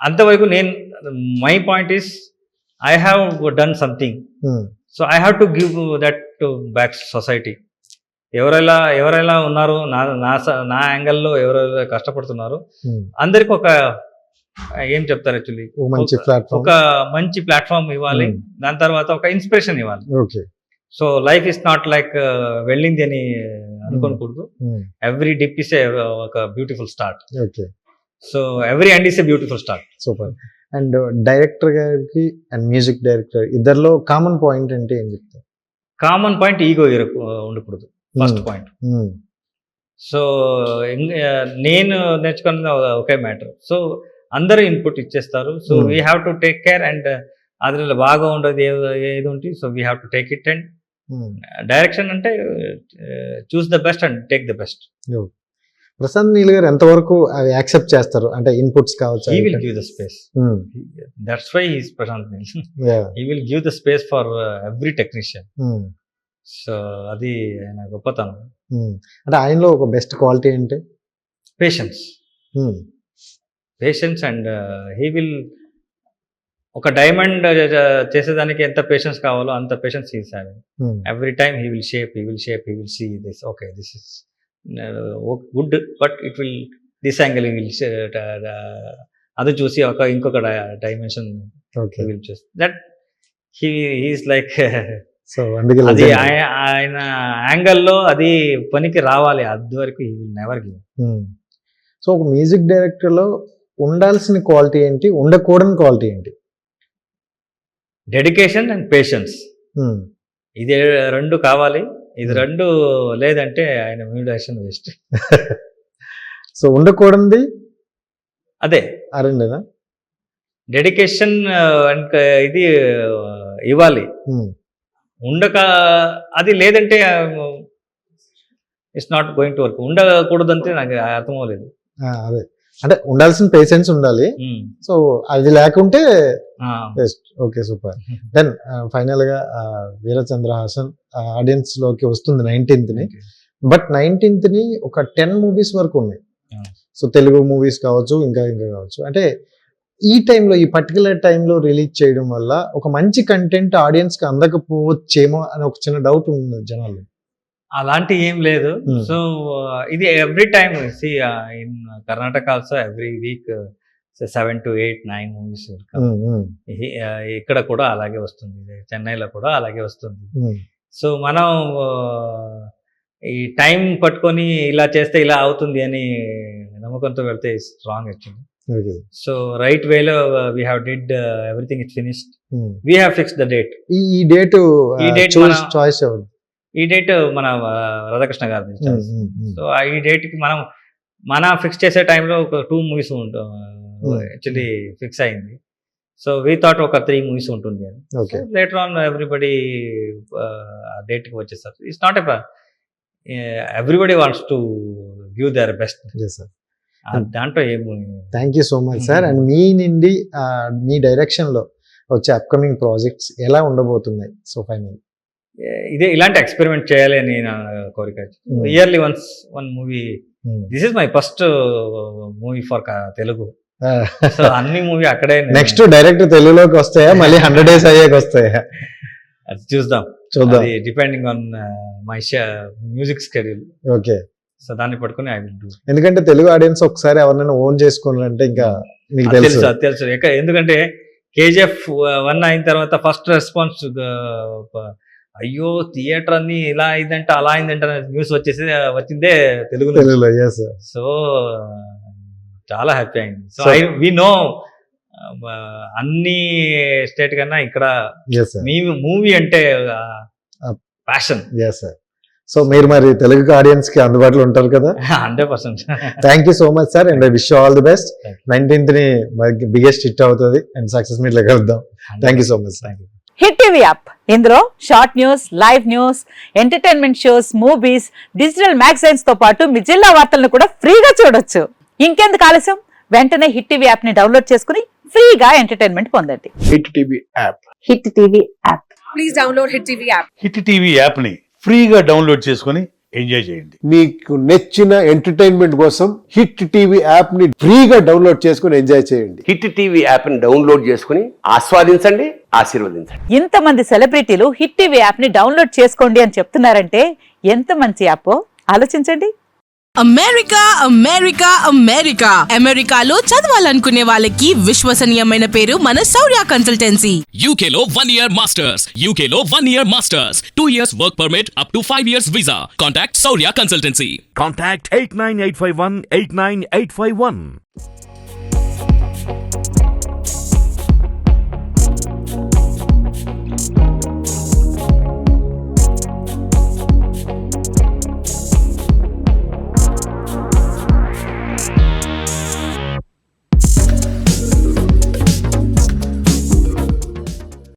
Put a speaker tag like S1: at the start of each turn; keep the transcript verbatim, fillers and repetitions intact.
S1: అంతవరకు నేను my point is I have done something, so I have to give that to back society. ఎవరెలా ఎవరెలా ఉన్నారో నా నా స- నా యాంగిల్లో ఎవరెలా కష్టపడుతున్నారో అందరికి ఒక ఏం చెప్తారు యాక్చువల్లీ,
S2: ఓ మంచి ప్లాట్ఫామ్.
S1: ఒక మంచి ప్లాట్ఫామ్ ఇవ్వాలి. దాని తర్వాత ఒక ఇన్స్పిరేషన్ ఇవ్వాలి.
S2: Okay.
S1: So life is not like వెళ్ళింది అని అనుకోకూడదు. ఎవ్రీ డిప్ ఇస్ ఒక beautiful start.
S2: Okay,
S1: so every end is a beautiful start.
S2: Super. And director గారికి అండ్ మ్యూజిక్ డైరెక్టర్ ఇద్దరిలో కామన్ పాయింట్ అంటే ఏం చెప్తారు?
S1: కామన్ పాయింట్ ఈగో ఉండకూడదు, ఫస్ట్ పాయింట్. సో నేను నేర్చుకున్నది ఒకే మ్యాటర్. సో అందరూ ఇన్పుట్ ఇచ్చేస్తారు. So
S2: Hmm.
S1: We have to take care and అందులో బాగా ఉండదు ఏది ఉంటే, so we have to take it. And direction అంటే choose the best and take the best.
S2: Prashanth Neel గారు ఎంతవరకు అవి యాక్సెప్ట్ చేస్తారు? అంటే ఇన్పుట్స్ కావచ్చు.
S1: He will give the space. That's why he's Prashanth Neel.
S2: Yeah.
S1: He will give the space for every technician.
S2: Hmm.
S1: So అది ఆయన గొప్పతనం.
S2: Hmm. అంటే ఆయనలో ఒక బెస్ట్ క్వాలిటీ ఏంటి?
S1: Patience.
S2: Hmm.
S1: Patience and he will ఒక డైమండ్ చేసేదానికి ఎంత పేషెన్స్ కావాలో అంత patience he's having.
S2: Hmm.
S1: Every time he will shape he will shape he will see this, okay this is good but it will this angle he will అది చూసి ఒక ఇంకొక dimension
S2: Okay.
S1: Will చూసి that he he's like
S2: so అందుకే
S1: అది
S2: legend.
S1: ఆయ- ఆయన యాంగిల్లో అది పనికి రావాలి. అది వరకు he will never give.
S2: Hmm. So ఒక మ్యూజిక్ డైరెక్టర్ లో ఉండాల్సిన క్వాలిటీ ఏంటి, ఉండకూడని క్వాలిటీ ఏంటి?
S1: Dedication and patience,
S2: Hmm.
S1: ఇది రెండు కావాలి. ఇది రెండు లేదంటే ఆయన మ్యూజిషియన్ వేస్ట్.
S2: సో ఉండకూడనిది
S1: అదే
S2: ఆ రెండేనా?
S1: డెడికేషన్ అండ్ ఇది ఇవ్వాలి.
S2: Hmm.
S1: ఉండక అది లేదంటే it's not going to work. ఉండకూడదంటే నాకు అర్థం అవ్వలేదు.
S2: ఆ, అదే అంటే ఉండాల్సిన పేషెన్స్ ఉండాలి.
S1: ఉమ్.
S2: సో అది లేకుంటే
S1: ఆ.
S2: Best. Okay, super. Then final గా ఆ, వీరచంద్రహాసన్ ఆడియన్స్ లోకి వస్తుంది నైన్టీన్త్ ని. బట్ నైన్టీన్త్ ని ఒక టెన్ మూవీస్ వరకు ఉన్నాయి.
S1: Yeah.
S2: సో తెలుగు మూవీస్ కావచ్చు, ఇంకా ఇంకా కావచ్చు. అంటే ఈ టైంలో ఈ పర్టికులర్ టైంలో రిలీజ్ చేయడం వల్ల ఒక మంచి కంటెంట్ ఆడియన్స్ కి అందకపోవచ్చేమో అని ఒక చిన్న డౌట్ ఉంది జనాలు.
S1: అలాంటి ఏం లేదు.
S2: Hmm.
S1: సో ఇది every time see in Karnataka also every week seven to eight nine movies.
S2: Um, um,
S1: ఇక్కడ కూడా అలాగే వస్తుంది, చెన్నైలో కూడా అలాగే వస్తుంది.
S2: ఉమ్,
S1: సో మనం ఆ, ఈ టైం పట్టుకొని ఇలా చేస్తే ఇలా అవుతుంది అని నమ్మకంతో వెళ్తే strong actually.
S2: Okay.
S1: So right వేలో we have did everything it finished.
S2: Um.
S1: We have fix the date.
S2: ఈ ఈ డేట్
S1: ఈ date
S2: చూస్
S1: మన-
S2: చాయిస్ ఎవరు?
S1: ఈ డేట్ మన ఆ, రాధాకృష్ణ గారి.
S2: ఉమ్, ఉమ్, ఉమ్.
S1: సో ఈ డేట్ కి మనం మన ఫిక్స్ చేసే టైంలో ఒక టూ మూవీస్ ఉంటాం
S2: Hmm.
S1: యాక్చువల్లీ ఫిక్స్ అయింది. సో వీ థాట్ ఒక త్రీ మూవీస్ ఉంటుంది అని.
S2: Okay.
S1: Later on everybody date కి వచ్చేస్తారు. It's not a everybody wants to give their best.
S2: Yes, sir.
S1: దాంట్లో ఏమి
S2: thank you so much sir. And మీ నుండి ఆ, మీ డైరెక్షన్ లో వచ్చే అప్కమింగ్ ప్రాజెక్ట్స్ ఎలా ఉండబోతున్నాయి? సో ఫైనల్
S1: ఇదే ఇలాంటి ఎక్స్పెరిమెంట్ చేయాలి అని నా కోరిక.
S2: Hmm.
S1: Yearly once one movie. This is my first movie for Telugu. So అన్ని మూవీ అక్కడే నేను-
S2: నెక్స్ట్ డైరెక్ట్ తెలుగులోకి వస్తాయా, మళ్ళీ హండ్రెడ్ డేస్ అయ్యాక వస్తాయా?
S1: అది చూద్దాం.
S2: చూద్దాం.
S1: అది depending on my music schedule.
S2: Okay.
S1: So దాన్ని పట్టుకుని ఐ విల్ డూ.
S2: ఎందుకంటే తెలుగు ఆడియన్స్ ఒకసారి ఎవరినైనా ఓన్ చేసుకోవాలంటే ఇంకా మీకు
S1: తెలుసు
S2: తెలుసు.
S1: అది తెలుసు. ఎక్క- ఎందుకంటే కేజీఎఫ్ వన్ అయిన తర్వాత ఫస్ట్ రెస్పాన్స్ అయ్యో థియేటర్ అన్ని ఇలా అయిందంటే అలా అయిందంటే న్యూస్ వచ్చేసి వచ్చిందే తెలుగులో.
S2: తెలుగులో. Yes sir.
S1: సో చాలా హ్యాపీ అయింది. So
S2: So-
S1: I we know అన్ని స్టేట్ కన్నా ఇక్కడ
S2: ఎస్ సార్.
S1: మీ మూవీ అంటే
S2: Ah.
S1: Passion.
S2: Yes sir. So మీరు మరి తెలుగు ఆడియన్స్ కి అందుబాటులో ఉంటారు కదా?
S1: Hundred percent.
S2: Thank you so much sir. And I wish all the best.
S1: Thank
S2: nineteenth ని బిగ్గెస్ట్ హిట్ అవుతుంది అండ్ సక్సెస్ మీట్ లో కలుద్దాం. Thank you so much sir.
S3: Hit TV app ఇందులో short news, live news, entertainment shows, movies, digital magazines తో పాటు మీ జిల్లా వార్తలను కూడా ఫ్రీగా చూడొచ్చు. ఇంకెందుకు ఆలస్యం, వెంటనే హిట్ టీవీ యాప్ ని డౌన్లోడ్ చేసుకుని ఫ్రీగా ఎంటర్టైన్మెంట్ పొందండి.
S4: Hit TV app
S3: Hit TV app.
S5: Please download Hit T V app.
S4: Hit TV యాప్ని ఫ్రీగా డౌన్లోడ్ చేసుకొని ఎంజాయ్ చేయండి.
S5: మీకు నచ్చిన ఎంటర్టైన్మెంట్ కోసం హిట్ టీవీ యాప్ ని ఫ్రీగా డౌన్లోడ్ చేసుకుని ఎంజాయ్ చేయండి.
S6: హిట్ టీవీ యాప్ ని డౌన్లోడ్ చేసుకుని ఆస్వాదించండి, ఆశీర్వదించండి.
S3: ఇంతమంది సెలబ్రిటీలు హిట్ టీవీ యాప్ ని డౌన్లోడ్ చేసుకోండి అని చెప్తున్నారంటే ఎంత మంచి యాప్ ఆలోచించండి.
S7: అమెరికా అమెరికా అమెరికా అమెరికాలో చదవాలనుకునే వాళ్ళకి విశ్వసనీయమైన పేరు మన శౌర్య కన్సల్టెన్సీ.
S8: U K లో one year masters, U K లో one year masters, two years work permit up to five years visa. Contact Saurya Consultancy.
S4: Contact eight nine eight five one eight nine eight five one.